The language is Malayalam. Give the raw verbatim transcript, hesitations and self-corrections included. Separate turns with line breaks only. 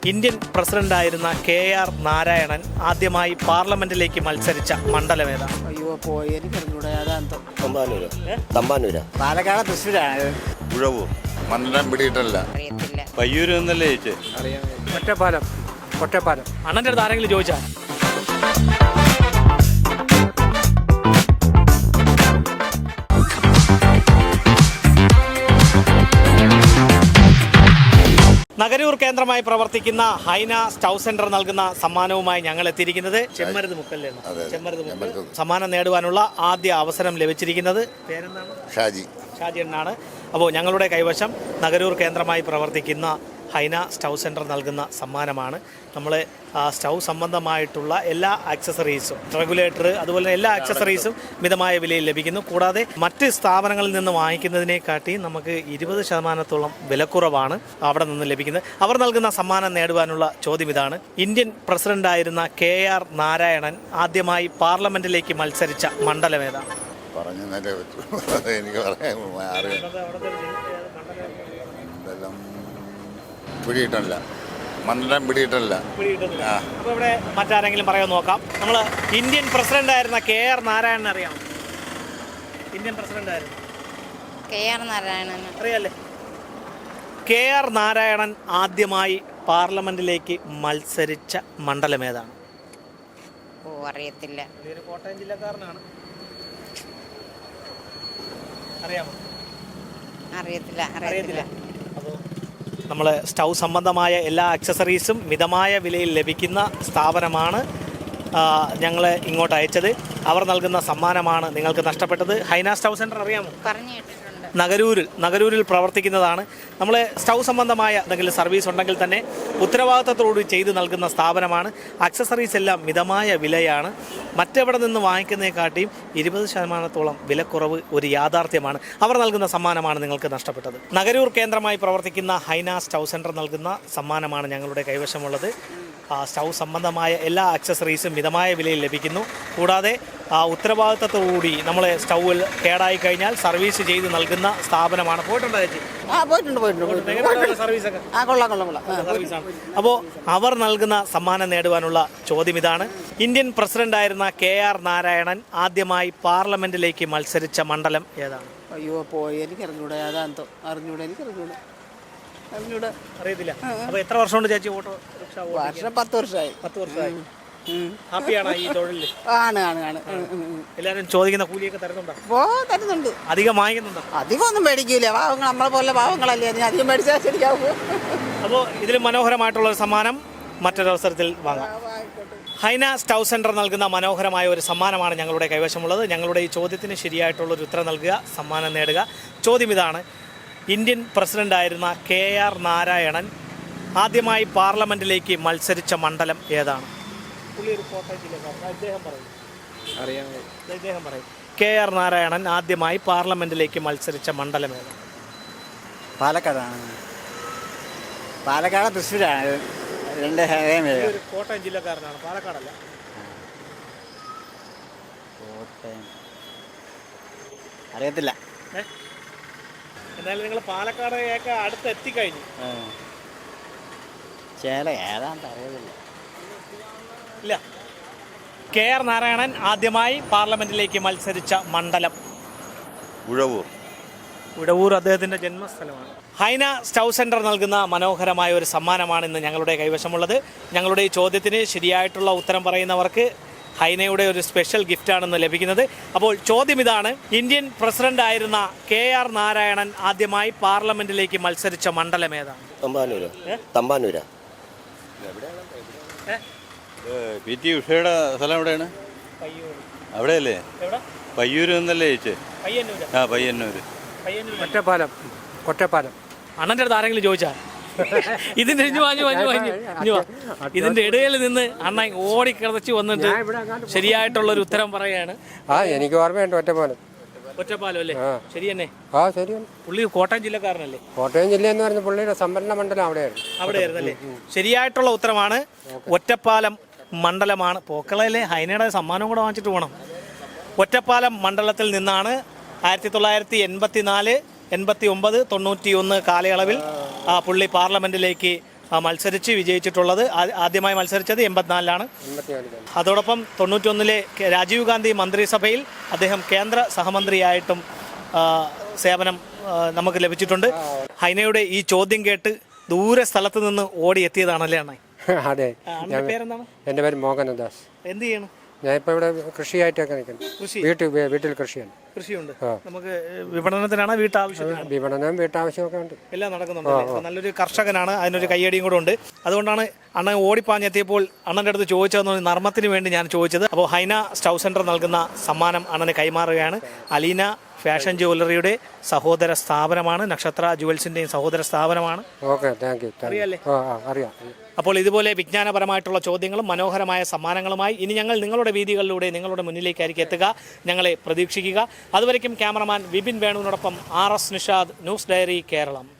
ഇന്ത്യൻ പ്രസിഡന്റായിരുന്ന കെ ആർ നാരായണൻ ആദ്യമായി പാർലമെന്റിലേക്ക് മത്സരിച്ച മണ്ഡലം ഏതാണ്?
അയ്യോ പോയി എനിക്കറിഞ്ഞൂടെ. അതാന്തോ
തമ്പാനൂര് തമ്പാനൂരാ
പാലക്കാട് തൃശ്ശൂരാണ്.
ഉഴവൂർ മണ്ഡലം പിടിയിട്ടല്ല.
അറിയത്തില്ല.
പയ്യൂര് എന്നല്ലേ ചേച്ചി?
അറിയാം. ഒറ്റപ്പാലം ഒറ്റപ്പാലം
അണ്ണന്റെ അടുത്ത് ആരെങ്കിലും ചോദിച്ചാൽ നഗരൂർ കേന്ദ്രമായി പ്രവർത്തിക്കുന്ന ഹൈന സ്റ്റൗ സെന്റർ നൽകുന്ന സമ്മാനവുമായി ഞങ്ങൾ എത്തിയിരിക്കുന്നത് ചെമ്മരുത് മുക്കല്ലേ? ചെമ്മരുത് മുക്കൽ സമ്മാനം നേടുവാനുള്ള ആദ്യ അവസരം ലഭിച്ചിരിക്കുന്നത് പേരെന്താണ്?
ഷാജി.
ഷാജി എന്നാണ്. അപ്പോൾ ഞങ്ങളുടെ കൈവശം നഗരൂർ കേന്ദ്രമായി പ്രവർത്തിക്കുന്ന ഹൈന സ്റ്റൗ സെൻറ്റർ നൽകുന്ന സമ്മാനമാണ്. നമ്മൾ സ്റ്റൗ സംബന്ധമായിട്ടുള്ള എല്ലാ ആക്സസറീസും, റെഗുലേറ്റർ, അതുപോലെ എല്ലാ ആക്സസറീസും മിതമായ വിലയിൽ ലഭിക്കുന്നു. കൂടാതെ മറ്റ് സ്ഥാപനങ്ങളിൽ നിന്ന് വാങ്ങിക്കുന്നതിനെക്കാട്ടി നമുക്ക് ഇരുപത് ശതമാനത്തോളം വിലക്കുറവാണ് അവിടെ നിന്ന് ലഭിക്കുന്നത്. അവർ നൽകുന്ന സമ്മാനം നേടുവാനുള്ള ചോദ്യം ഇതാണ്: ഇന്ത്യൻ പ്രസിഡന്റായിരുന്ന കെ ആർ നാരായണൻ ആദ്യമായി പാർലമെന്റിലേക്ക് മത്സരിച്ച മണ്ഡലം ഏതാണ്?
പറഞ്ഞു എനിക്ക് പറയാൻ മണ്ഡലം പിടിയിട്ടല്ല. മണ്ഡലം പിടിയിട്ടല്ല.
അപ്പോൾ ഇവിടെ മറ്റാരെങ്കിലും പറയാൻ നോക്കാം. നമ്മൾ ഇന്ത്യൻ പ്രസിഡന്റ് ആയിരുന്ന കെ ആർ നാരായണൻ അറിയാം? ഇന്ത്യൻ പ്രസിഡന്റ് ആയിരുന്നു
കെ ആർ നാരായണൻ
അറിയാല്ലേ? കെ ആർ നാരായണൻ ആദ്യമായി പാർലമെന്റിലേക്ക് മത്സരിച്ച മണ്ഡലം ഏതാണ്?
ഓ അറിയത്തില്ല.
ഒരു കോട്ടയം ജില്ലക്കാരനാണ്. അറിയാമോ?
അറിയത്തില്ല. അറിയത്തില്ല.
അപ്പോൾ നമ്മൾ സ്റ്റൗ സംബന്ധമായ എല്ലാ ആക്സസറീസും മിതമായ വിലയിൽ ലഭിക്കുന്ന സ്ഥാപനമാണ് ഞങ്ങൾ ഇങ്ങോട്ട് അയച്ചത്. അവർ നൽകുന്ന സമ്മാനമാണ് നിങ്ങൾക്ക് നഷ്ടപ്പെട്ടത്. ഹൈന സ്റ്റൗ സെൻറ്റർ അറിയാമോ?
പറഞ്ഞു കേട്ടിട്ടുണ്ട്.
നഗരൂരിൽ നഗരൂരിൽ പ്രവർത്തിക്കുന്നതാണ്. നമ്മൾ സ്റ്റൗ സംബന്ധമായ എന്തെങ്കിലും സർവീസ് ഉണ്ടെങ്കിൽ തന്നെ ഉത്തരവാദിത്തത്തോടുകൂടി ചെയ്ത് നൽകുന്ന സ്ഥാപനമാണ്. ആക്സസറീസ് എല്ലാം മിതമായ വിലയാണ്. മറ്റെവിടെ നിന്ന് വാങ്ങിക്കുന്നതിനെക്കാട്ടിയും ഇരുപത് ശതമാനത്തോളം വിലക്കുറവ് ഒരു യാഥാർത്ഥ്യമാണ്. അവർ നൽകുന്ന സമ്മാനമാണ് നിങ്ങൾക്ക് നഷ്ടപ്പെട്ടത്. നഗരൂർ കേന്ദ്രമായി പ്രവർത്തിക്കുന്ന ഹൈന സ്റ്റൗ സെൻറ്റർ നൽകുന്ന സമ്മാനമാണ് ഞങ്ങളുടെ കൈവശമുള്ളത്. സ്റ്റൗ സംബന്ധമായ എല്ലാ ആക്സസറീസും മിതമായ വിലയിൽ ലഭിക്കുന്നു. കൂടാതെ ഉത്തരവാദിത്തത്തോടുകൂടി നമ്മൾ സ്റ്റൗവിൽ കേടായി കഴിഞ്ഞാൽ സർവീസ് ചെയ്ത് നൽകുന്ന സ്ഥാപനമാണ്. പോയിട്ടുണ്ടോ ചേച്ചി?
ആ പോയിട്ടുണ്ട് പോയിട്ടുണ്ട്
സർവീസൊക്കെ
ആ കൊള്ളാം കൊള്ളാം കൊള്ളാം
സർവീസാണ്. അപ്പോൾ അവർ നൽകുന്ന സമ്മാനം നേടുവാനുള്ള ചോദ്യം ഇതാണ്: ഇന്ത്യൻ പ്രസിഡന്റായിരുന്ന കെ ആർ നാരായണൻ ആദ്യമായി പാർലമെന്റിലേക്ക് മത്സരിച്ച മണ്ഡലം ഏതാണ്?
അയ്യോ പോയി എനിക്കറിഞ്ഞൂടെ. അതാന്തോ അറിഞ്ഞൂടെ എനിക്കറിഞ്ഞൂടെ അറിഞ്ഞൂടെ
അറിയത്തില്ല. അപ്പോൾ എത്ര വർഷം കൊണ്ട് ചേച്ചി ഓട്ടോ റിക്ഷ?
വർഷം പത്ത് വർഷമായി.
പത്ത് വർഷമായി. ഹാപ്പിയാണോ ഈ തൊഴിലിൽ?
ആണ് ആണ് ആണ്
എല്ലാവരും ചോദിക്കുന്ന കൂലിയൊക്കെ തരുന്നുണ്ടോ?
ഓ തരുന്നുണ്ട്.
അധികം വാങ്ങിക്കുന്നുണ്ടോ?
അധികം ഒന്നും മേടിക്കൂല. പാവങ്ങൾ നമ്മളെ പോലെ പാവങ്ങളല്ലേ, അതിന് അധികം മേടിച്ചാൽ ശരിയാവും.
അപ്പോൾ ഇതിൽ മനോഹരമായിട്ടുള്ള ഒരു സമ്മാനം മറ്റൊരവസരത്തിൽ വാങ്ങാം. ഹൈന സ്റ്റൗ സെൻറ്റർ നൽകുന്ന മനോഹരമായ ഒരു സമ്മാനമാണ് ഞങ്ങളുടെ കൈവശമുള്ളത്. ഞങ്ങളുടെ ഈ ചോദ്യത്തിന് ശരിയായിട്ടുള്ളൊരു ഉത്തരം നൽകുക, സമ്മാനം നേടുക. ചോദ്യം ഇതാണ്: ഇന്ത്യൻ പ്രസിഡന്റായിരുന്ന കെ ആർ നാരായണൻ ആദ്യമായി പാർലമെന്റിലേക്ക് മത്സരിച്ച മണ്ഡലം ഏതാണ്? പുള്ളി ഒരു കോട്ടയം ജില്ലക്കാരൻ. അദ്ദേഹം പറയും.
അറിയാം.
അദ്ദേഹം പറയും. കെ ആർ നാരായണൻ ആദ്യമായി പാർലമെന്റിലേക്ക് മത്സരിച്ച മണ്ഡലം ഏതാണ്?
പാലക്കാടാണ്. പാലക്കാട് തൃശ്ശൂരാണ്. രണ്ട്
ഒരു കോട്ടയം ജില്ലക്കാരനാണ്. പാലക്കാടല്ല.
കോട്ടയം അറിയത്തില്ല.
ഏ എന്നാലും നിങ്ങൾ പാലക്കാടൊക്കെ അടുത്ത് എത്തിക്കഴിഞ്ഞു.
ചേല ഏതാണ്ട് അറിയത്തില്ല.
ഇല്ല. കെ ആർ നാരായണൻ ആദ്യമായി പാർലമെന്റിലേക്ക് മത്സരിച്ച മണ്ഡലം
ഉഴവൂർ.
ഉഴവൂർ അദ്ദേഹത്തിൻ്റെ ജന്മസ്ഥലമാണ്. ഹൈന സ്റ്റൗ സെൻറ്റർ നൽകുന്ന മനോഹരമായ ഒരു സമ്മാനമാണ് ഇന്ന് ഞങ്ങളുടെ കൈവശമുള്ളത്. ഞങ്ങളുടെ ഈ ചോദ്യത്തിന് ശരിയായിട്ടുള്ള ഉത്തരം പറയുന്നവർക്ക് ഹൈനയുടെ ഒരു സ്പെഷ്യൽ ഗിഫ്റ്റാണെന്ന് ലഭിക്കുന്നത്. അപ്പോൾ ചോദ്യം ഇതാണ്: ഇന്ത്യൻ പ്രസിഡന്റ് ആയിരുന്ന കെ ആർ നാരായണൻ ആദ്യമായി പാർലമെന്റിലേക്ക് മത്സരിച്ച മണ്ഡലം ഏതാണ്?
തമ്പാനൂര് തമ്പാനൂരാ
പി ടി ഉഷയുടെ സ്ഥലം എവിടെയാണ്? അവിടെയല്ലേ? പയ്യൂര് എന്നല്ലേ ചേച്ചി? ആ പയ്യന്നൂര്.
ഒറ്റപ്പാലം ഒറ്റപ്പാലം
അണ്ണൻ്റെ അടുത്ത് ആരെങ്കിലും ചോദിച്ചാൽ ഇതിന്റെ വാങ്ങി വാങ്ങി വാങ്ങി ഇതിന്റെ ഇടയിൽ നിന്ന് അണ്ണൻ ഓടിക്കിടച്ച് വന്നിട്ട് ശരിയായിട്ടുള്ള ഒരു ഉത്തരം പറയാണ്.
ആ എനിക്ക് ഓർമ്മയുണ്ട്. ഒറ്റപ്പാലം.
ഒറ്റപ്പാലം അല്ലേ? ശരി തന്നെ.
ആ ശരിയാണ്.
പുള്ളി കോട്ടയം ജില്ലക്കാരനല്ലേ?
കോട്ടയം ജില്ല എന്ന് പറഞ്ഞ പുള്ളിയുടെ സംഭരണ മണ്ഡലം അവിടെയായിരുന്നു.
അവിടെയായിരുന്നു അല്ലേ? ശരിയായിട്ടുള്ള ഉത്തരമാണ്. ഒറ്റപ്പാലം മണ്ഡലമാണ്. പോക്കളയിലെ ഹൈനയുടെ സമ്മാനം കൂടെ വാങ്ങിച്ചിട്ട് പോകണം. ഒറ്റപ്പാലം മണ്ഡലത്തിൽ നിന്നാണ് ആയിരത്തി തൊള്ളായിരത്തി എൺപത്തി നാല് എൺപത്തി ഒമ്പത് തൊണ്ണൂറ്റി ഒന്ന് കാലയളവിൽ പുള്ളി പാർലമെന്റിലേക്ക് ആ, മത്സരിച്ച് വിജയിച്ചിട്ടുള്ളത്. ആ- ആദ്യമായി മത്സരിച്ചത് എൺപത്തിനാലിലാണ്.
എൺപത്തിനാലിലാണ്.
അതോടൊപ്പം തൊണ്ണൂറ്റൊന്നിലെ കെ- രാജീവ് ഗാന്ധി മന്ത്രിസഭയിൽ അദ്ദേഹം കേന്ദ്ര സഹമന്ത്രിയായിട്ടും ആ, സേവനം ആ, നമുക്ക് ലഭിച്ചിട്ടുണ്ട്. ഹൈനയുടെ ഈ ചോദ്യം കേട്ട് ദൂരെ സ്ഥലത്ത് നിന്ന് ഓടി എത്തിയതാണല്ലേ അണ്ണേ?
അതെ.
ആ, അണ്ണന്റെ പേരെന്താണ്?
എൻ്റെ പേര് മോഹനദാസ്.
എന്ത് ചെയ്യണം?
ഞാനിപ്പോൾ ഇവിടെ കൃഷിയായിട്ടൊക്കെ നിൽക്കുന്നു.
കൃഷി
വീട്ടിൽ വീട്ടിൽ കൃഷിയാണ്.
കൃഷിയുണ്ട്.
ആ.
നമുക്ക് വിപണനത്തിനാണ് വീട്ടാവശ്യത്തിനാണ്
വിപണനം വീട്ടാവശ്യമൊക്കെ ഉണ്ട്.
എല്ലാം നടക്കുന്നുണ്ട്. അപ്പോൾ നല്ലൊരു കർഷകനാണ്, അതിനൊരു കയ്യടിയും കൂടെ ഉണ്ട്. അതുകൊണ്ടാണ് അണ്ണൻ ഓടിപ്പാഞ്ഞെത്തിയപ്പോൾ അണ്ണൻ്റെ അടുത്ത് ചോദിച്ചതെന്ന് നർമ്മത്തിന് വേണ്ടി ഞാൻ ചോദിച്ചത്. അപ്പോൾ ഹൈന സ്റ്റൗ സെൻറ്റർ നൽകുന്ന സമ്മാനം അണ്ണന് കൈമാറുകയാണ്. അലീന ഫാഷൻ ജ്വല്ലറിയുടെ സഹോദര സ്ഥാപനമാണ്, നക്ഷത്ര ജുവൽസിൻ്റെയും സഹോദര സ്ഥാപനമാണ്.
Okay, thank you.
അറിയാലേ?
ആ ആ അറിയാം.
അപ്പോൾ ഇതുപോലെ വിജ്ഞാനപരമായിട്ടുള്ള ചോദ്യങ്ങളും മനോഹരമായ സമ്മാനങ്ങളുമായി ഇനി ഞങ്ങൾ നിങ്ങളുടെ വീതികളിലൂടെ നിങ്ങളുടെ മുന്നിലേക്കായിരിക്കും എത്തുക. ഞങ്ങളെ പ്രതീക്ഷിക്കുക. അതുവരയ്ക്കും ക്യാമറമാൻ വിപിൻ വേണുവിനോടൊപ്പം R S Nishad, news diary Keralam.